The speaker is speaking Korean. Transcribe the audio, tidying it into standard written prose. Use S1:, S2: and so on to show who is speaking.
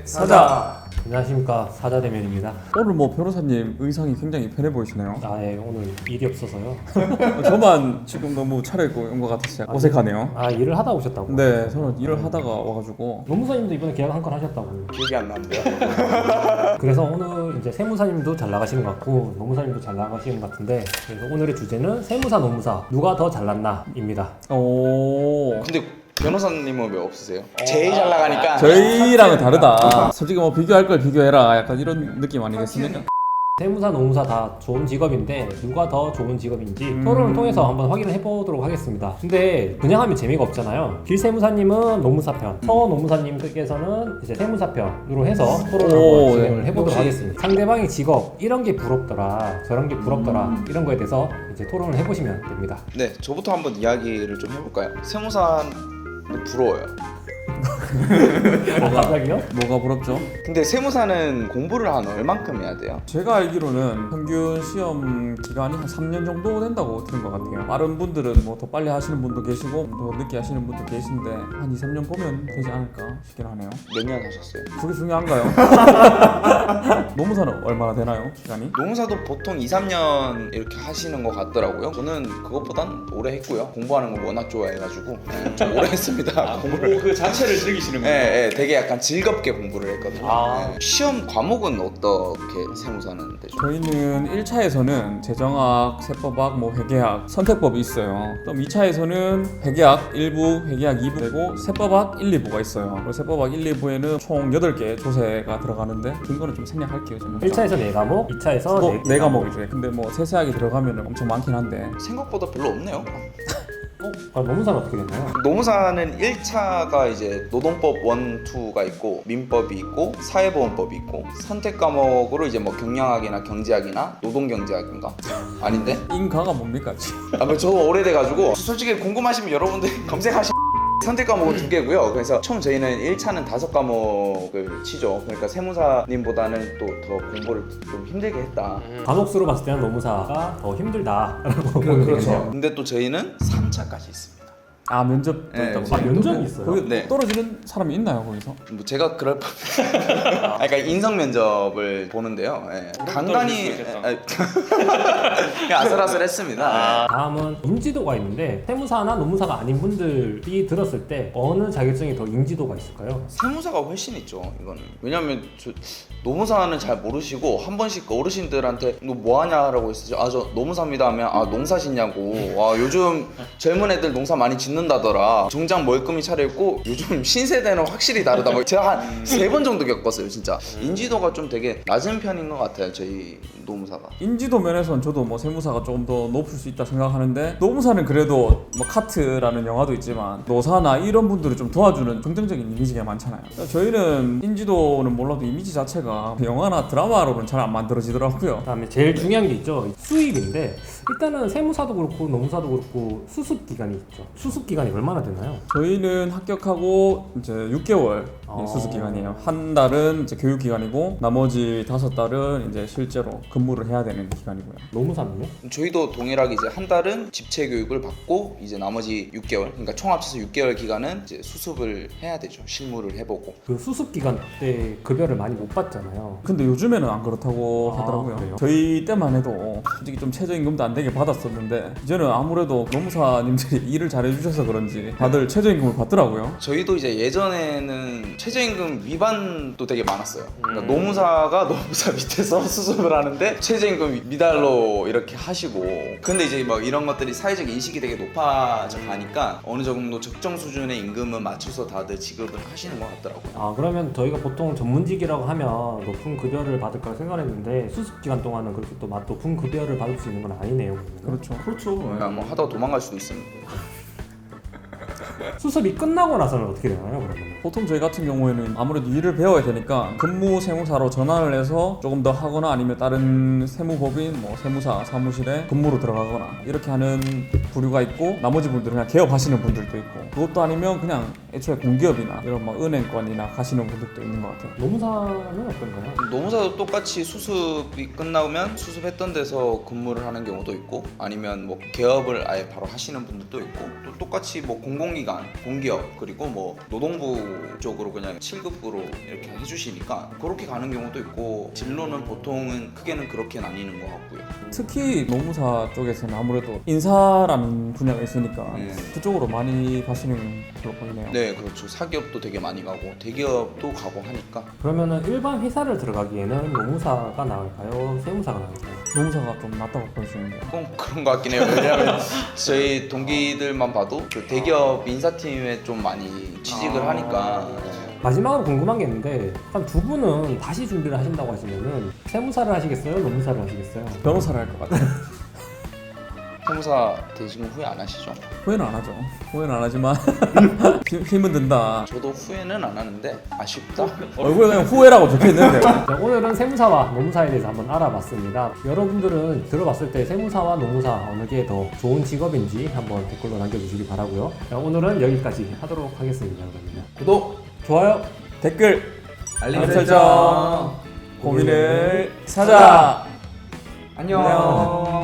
S1: 사자.
S2: 안녕하십니까, 사자대면입니다.
S1: 오늘 뭐 변호사님 의상이 굉장히 편해 보이시네요.
S2: 예, 오늘 일이 없어서요.
S1: 저만 지금 너무 차려입고 온 것 같아서 약간 어색하네요.
S2: 일을 하다 오셨다고?
S1: 네, 저는 일을 하다가 와가지고.
S2: 노무사님도 이번에 계약 한 건 하셨다고.
S3: 기억이 안 나는데요.
S2: 그래서 오늘 이제 세무사님도 잘 나가시는 것 같고 노무사님도 잘 나가시는 것 같은데, 그래서 오늘의 주제는 세무사, 노무사 누가 더 잘났나입니다.
S1: 오.
S3: 근데 변호사님은 왜 없으세요? 제일 잘 나가니까.
S1: 저희랑은 다르다. 솔직히 뭐 비교할 걸 비교해라. 약간 이런 느낌 아니겠습니까?
S2: 세무사, 노무사 다 좋은 직업인데 누가 더 좋은 직업인지 토론을 통해서 한번 확인을 해보도록 하겠습니다. 근데 그냥 하면 재미가 없잖아요. 길세무사님은 노무사 편, 서노무사님께서는 이제 세무사 편으로 해서 토론을 한번 진행을 해보도록 하겠습니다. 상대방의 직업, 이런 게 부럽더라, 저런 게 부럽더라, 이런 거에 대해서 이제 토론을 해보시면 됩니다.
S3: 네, 저부터 한번 이야기를 좀 해볼까요? 세무사는 부러워요.
S2: 갑자기요?
S1: 뭐가 부럽죠?
S3: 근데 세무사는 공부를 한 얼만큼 해야 돼요?
S1: 제가 알기로는 평균 시험 기간이 한 3년 정도 된다고 들은 것 같아요. 다른 분들은 뭐 더 빨리 하시는 분도 계시고 더 늦게 하시는 분도 계신데 한 2, 3년 보면 되지 않을까 싶긴 하네요.
S3: 몇 년 하셨어요?
S1: 그게 중요한가요? 노무사는 얼마나 되나요? 기간이?
S3: 노무사도 보통 2, 3년 이렇게 하시는 것 같더라고요. 저는 그것보단 오래 했고요. 공부하는 걸 워낙 좋아해가지고 좀 오래 했습니다. 공부를.
S4: 그 자체를 즐기시는군요.
S3: 네, 되게 약간 즐겁게 공부를 했거든요. 네. 시험 과목은 어떻게 세무사는 되죠?
S1: 저희는 1차에서는 재정학, 세법학, 뭐 회계학, 선택법이 있어요. 그럼 2차에서는 회계학 1부, 회계학 2부 되고 세법학 1, 2부가 있어요. 그리고 세법학 1, 2부에는 총 8개 조세가 들어가는데 그런 거는 좀 생략할게요. 저는.
S2: 1차에서 4과목, 2차에서
S1: 뭐 4과목이죠. 근데 뭐 세세하게 들어가면 엄청 많긴 한데
S3: 생각보다 별로 없네요.
S2: 노무사는 어떻게 되나요?
S3: 노무사는 1차가 이제 노동법 1, 2가 있고 민법이 있고 사회보험법이 있고 선택 과목으로 이제 뭐 경영학이나 경제학이나 노동경제학인가? 아닌데?
S1: 인가가 뭡니까?
S3: 저 오래돼가지고 솔직히 궁금하시면 여러분들 검색하시면 선택 과목은 2개고요. 그래서 총 저희는 1차는 5과목을 치죠. 그러니까 세무사님보다는 또 더 공부를 좀 힘들게 했다.
S2: 과목수로 봤을 때는 노무사가 더 힘들다라고 보면 되겠네요.
S3: 근데 또 저희는 3차까지 있습니다.
S1: 아 면접도
S3: 네,
S1: 있다고.
S2: 면접이 있어요?
S1: 거기
S3: 네.
S1: 떨어지는 사람이 있나요 거기서?
S3: 뭐 제가 그럴 뻔. 그러니까 인성 면접을 보는데요. 예. 간간히 그냥 아슬아슬했습니다.
S2: 다음은 인지도가 있는데 세무사나 노무사가 아닌 분들이 들었을 때 어느 자격증이 더 인지도가 있을까요?
S3: 세무사가 훨씬 있죠. 이거는 왜냐면 노무사는 잘 모르시고 한 번씩 어르신들한테 너 뭐하냐라고 했었죠. 저 노무사입니다 하면 농사 짓냐고. 와 요즘 젊은 애들 농사 많이 짓는다더라. 정장 멀끔히 차려입고 요즘 신세대는 확실히 다르다. 뭐 제가 한 3번 정도 겪었어요 진짜. 인지도가 좀 되게 낮은 편인 것 같아요 저희 노무사가.
S1: 인지도 면에서는 저도 뭐 세무사가 조금 더 높을 수 있다 생각하는데 노무사는 그래도 뭐 카트라는 영화도 있지만 노사나 이런 분들을 좀 도와주는 긍정적인 이미지가 많잖아요. 저희는 인지도는 몰라도 이미지 자체가 영화나 드라마로는 잘 안 만들어지더라고요.
S2: 그다음에 제일 중요한 게 있죠. 수입인데 일단은 세무사도 그렇고 노무사도 그렇고 수습 기간이 있죠. 수습 기간이 얼마나 되나요?
S1: 저희는 합격하고 이제 6개월 수습 기간이에요. 한 달은 이제 교육 기간이고 나머지 5달은 이제 실제로 근무를 해야 되는 기간이고요.
S2: 노무사는요?
S3: 저희도 동일하게 이제 한 달은 집체 교육을 받고 이제 나머지 6개월 그러니까 총 합쳐서 6개월 기간은 이제 수습을 해야 되죠. 실무를 해보고.
S2: 그 수습 기간 때 급여를 많이 못 받잖아요.
S1: 근데 요즘에는 안 그렇다고 하더라고요.
S2: 그래요?
S1: 저희 때만 해도 솔직히 좀 최저임금도 안 되게 받았었는데 이제는 아무래도 노무사님들이 일을 잘해주셔서 그런지 다들 최저임금을 받더라고요.
S3: 저희도 이제 예전에는 최저임금 위반도 되게 많았어요. 그러니까 노무사가 노무사 밑에서 수습을 하는데 최저임금 미달로 이렇게 하시고 근데 이제 막 이런 것들이 사회적 인식이 되게 높아져 가니까 어느 정도 적정 수준의 임금은 맞춰서 다들 지급을 하시는 것 같더라고요.
S2: 그러면 저희가 보통 전문직이라고 하면 높은 급여를 받을 거라 생각했는데 수습 기간 동안은 그렇게 또 높은 급여를 받을 수 있는 건 아니네요.
S1: 그렇죠.
S3: 그러니까 뭐 하다가 도망갈 수도 있습니다.
S2: 수습이 끝나고 나서는 어떻게 되나요, 그러면?
S1: 보통 저희 같은 경우에는 아무래도 일을 배워야 되니까 근무 세무사로 전환을 해서 조금 더 하거나 아니면 다른 세무법인 뭐 세무사 사무실에 근무로 들어가거나 이렇게 하는 부류가 있고 나머지 분들은 그냥 개업하시는 분들도 있고 그것도 아니면 그냥 애초에 공기업이나 이런 뭐 은행권이나 가시는 분들도 있는 것 같아요.
S2: 노무사는 어떤가요?
S3: 노무사도 똑같이 수습이 끝나면 수습했던 데서 근무를 하는 경우도 있고 아니면 뭐 개업을 아예 바로 하시는 분들도 있고 또 똑같이 뭐 공공기관, 공기업 그리고 뭐 노동부 쪽으로 그냥 7급으로 이렇게 해주시니까 그렇게 가는 경우도 있고 진로는 보통은 크게는 그렇게 나뉘는 것 같고요.
S1: 특히 노무사 쪽에서는 아무래도 인사라는 분야가 있으니까
S3: 네.
S1: 그쪽으로 많이 가시는 걸로 보이네요.
S3: 네, 그렇죠. 사기업도 되게 많이 가고 대기업도 가고 하니까
S2: 그러면은 일반 회사를 들어가기에는 노무사가 나을까요? 세무사가 나을까요?
S1: 노무사가 좀 낫다고 보여주는데요.
S3: 꼭 그런 것 같긴 해요. 왜냐하면 저희 동기들만 봐도 그 대기업 인사팀에 좀 많이 취직을 하니까
S2: 마지막으로 궁금한 게 있는데 그럼 두 분은 다시 준비를 하신다고 하시면은 세무사를 하시겠어요? 노무사를 하시겠어요?
S1: 변호사를 할 것 같아요.
S3: 세무사 되신 거 후회 안 하시죠?
S1: 후회는 안 하죠. 후회는 안 하지만 힘은 든다.
S3: 저도 후회는 안 하는데 아쉽다.
S1: 얼굴에 그냥 후회라고 적혀 있는데.
S2: 자, 오늘은 세무사와 노무사에 대해서 한번 알아봤습니다. 여러분들은 들어봤을 때 세무사와 노무사 어느 게 더 좋은 직업인지 한번 댓글로 남겨주시기 바라고요. 자, 오늘은 여기까지 하도록 하겠습니다. 그러면
S3: 구독,
S2: 좋아요.
S1: 댓글,
S3: 알림
S1: 알림
S3: 설정.
S1: 고민을 사자.
S3: 안녕.